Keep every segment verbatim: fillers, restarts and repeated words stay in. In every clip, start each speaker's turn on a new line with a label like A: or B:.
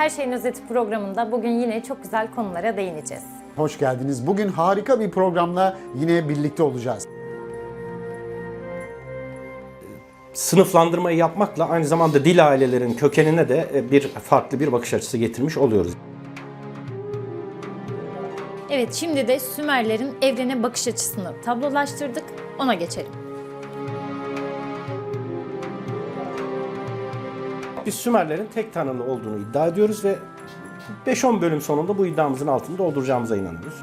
A: Her Şeyin Özeti programında bugün yine çok güzel konulara değineceğiz.
B: Hoş geldiniz. Bugün harika bir programla yine birlikte olacağız.
C: Sınıflandırmayı yapmakla aynı zamanda dil ailelerinin kökenine de bir farklı bir bakış açısı getirmiş oluyoruz.
A: Evet, şimdi de Sümerlerin evrene bakış açısını tablolaştırdık. Ona geçelim.
C: Biz Sümerlerin tek tanrılı olduğunu iddia ediyoruz ve beş on bölüm sonunda bu iddiamızın altını dolduracağımıza inanıyoruz.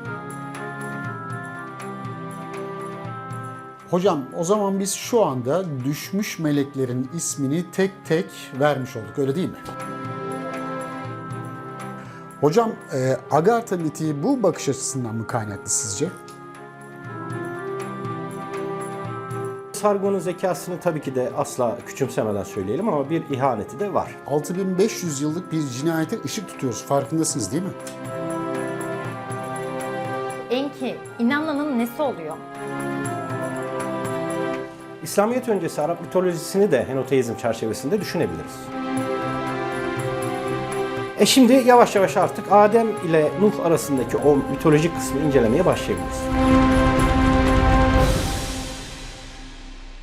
B: Hocam o zaman biz şu anda düşmüş meleklerin ismini tek tek vermiş olduk, öyle değil mi? Hocam e, Agartha miti bu bakış açısından mı kaynaklı sizce?
C: Sargon'un zekasını tabii ki de asla küçümsemeden söyleyelim ama bir ihaneti de var.
B: altı bin beş yüz yıllık bir cinayete ışık tutuyoruz, farkındasınız değil mi?
A: Enki, inanmanın nesi oluyor?
C: İslamiyet öncesi Arap mitolojisini de henoteizm çerçevesinde düşünebiliriz. E şimdi yavaş yavaş artık Adem ile Nuh arasındaki o mitolojik kısmı incelemeye başlayabiliriz.